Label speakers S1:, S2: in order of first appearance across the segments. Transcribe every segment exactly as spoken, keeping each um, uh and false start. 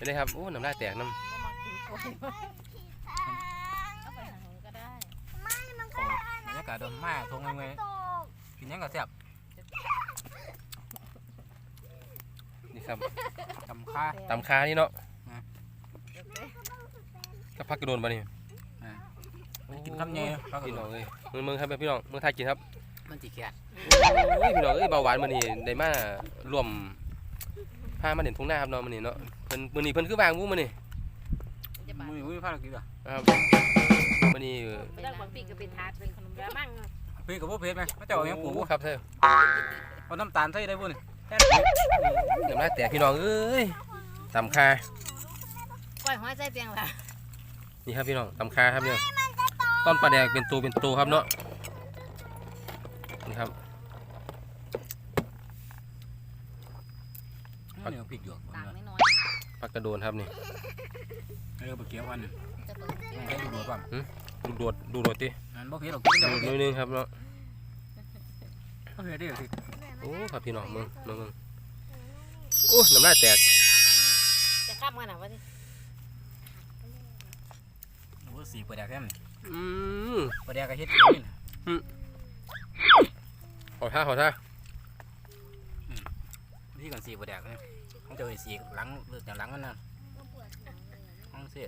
S1: ไปเลยครับโอ้น้ำลายแตกน้ำ
S2: บรรยากาศโดนมาทงเงยกินยังกับแซ่บ
S1: นี่ครับ
S2: ตำข้า
S1: ตำคานี่เนาะก็พักกระโดนไปนี่
S2: กินคำเงี้ย
S1: พี่น้องเลยมึงมึงครับพี่น้องมึงไทยกินครับ
S2: มันจีแกะ
S1: พี่น้องเอ้ยเบาหวานมันนี่ได้มารวมพามาเด่นทุ่งหน้าครับน้องมันนี่เนาะเพิ่นมันนี่เพิ่นคือวางมุ้งมันนี่
S2: มือมือพาเรากินอ่ะ
S1: ครับมันนี่
S3: เรื่องของปีกเป็นทาดเป็นขนมยามั่ง
S2: ปีกับพวกเพชรไหมไม่เจ้าอย่างปู่
S1: ครับเธอ
S2: เอาน้ำตาลใส่ได้บุญ
S1: เดี๋ยวมาแต่พี่น้องเอ้ยตำคา
S3: ก้อยห้อยใส่เปียงละ
S1: นี่ครับพี่น้องตำคาครับเนี่ยต้นปลาแดกเป็นตัวเป็นตัวครับเนาะนี่ครับ
S2: ปักพริกหยวก
S1: ปักกระโดนครับนี่
S2: เออปลาเกี๊ยววันนึงให้ดูดก่อน
S1: ดูดดูดดิ
S2: นั่นบ่เผ็ดหรอกกิน
S1: ดูนิดนึงครับเนาะ
S2: บ่เผ็ดดิสิ
S1: โอ้ครับพี่น้องมึงมึงมึงโอ้น้ำลายแตก
S3: จะข้ามกันหรอวะที่
S2: โอ้สีปลาแดกแค่นี้
S1: อืม
S2: ปลาแดกกระเฮ็ดอย่างนี้
S1: อืมขอท่าขอท่า
S2: ที่กันสีปลาแดกเนี่ยต้องเจอสีหลังเลือดจากหลังมันนะต้องเสีย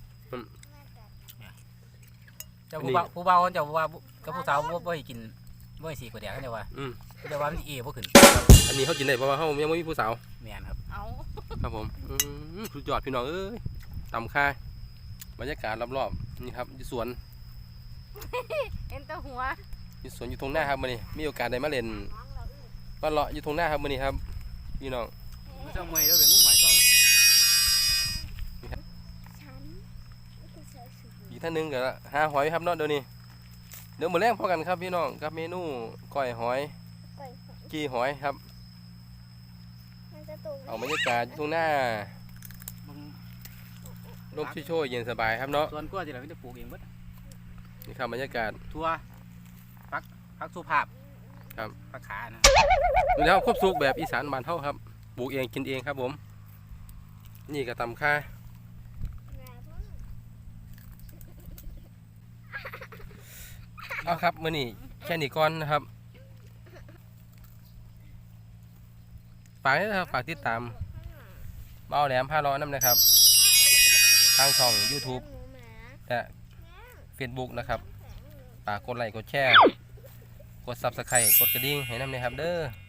S2: เจ้าผู้บ่าวผู้บ่าวเจ้าว่ากับผู้สาวบ่ให้กินบ่ให้สีปลาแดกกันเจ้าว่าเจ้าว่ามันเอ๋บ่ขึ้น
S1: อันนี้เขากินได้เพราะว่าเขายังไม่มีผู้สาว
S2: แม่นครับ
S3: เอา
S1: ครับผมสุดยอดพี่น้องเอ้ยตำค่าบรรยากาศรอบๆนี่ครับอยู่สวน
S3: เอ็นตัวหัว
S1: อยู่สวนอยู่ตรงหน้าครับมื้อนี้มีโอกาสได้มาเล่นมาเลาะอยู่ตรงหน้าครับมื้อนี้ครับพี่น้อง
S2: ไม่ต้องเมย์แล้วเป็นมุ้งหมายตอง
S1: อีกท่านหนึ่งก็หาหอยครับเนาะเดี๋ยวนี้เดี๋ยวมื้อแรกพอกันครับพี่น้องกับเมนูก้อยหอยจีหอยครับเอาบรรยากาศตรงหน้าลมช่วยๆเย็นสบายครับเนาะ
S2: ส่วนกล้วยที่เราไม่ได้ปลูกเองหมด
S1: นี่ครับบรรยากาศ
S2: ทั่วพักพักสุภาพ
S1: ครับ
S2: พักขานะ
S1: ดูแล้วครบสุกแบบอีสานบ้านเฮาครับปลูกเองกินเองครับผมนี่ก็ตำค่าเอาครับมื้อนี้แค่นี้ก่อนนะครับฝากนะครับฝากติดตามเบาแหลมพาร้อนน้ำนะครับทางช่อง ยูทูบ และ เฟซบุ๊ก นะครับฝากกดไลค์กดแชร์กด ซับสไครบ์ กดกระดิ่งให้น้ำนะครับเด้อ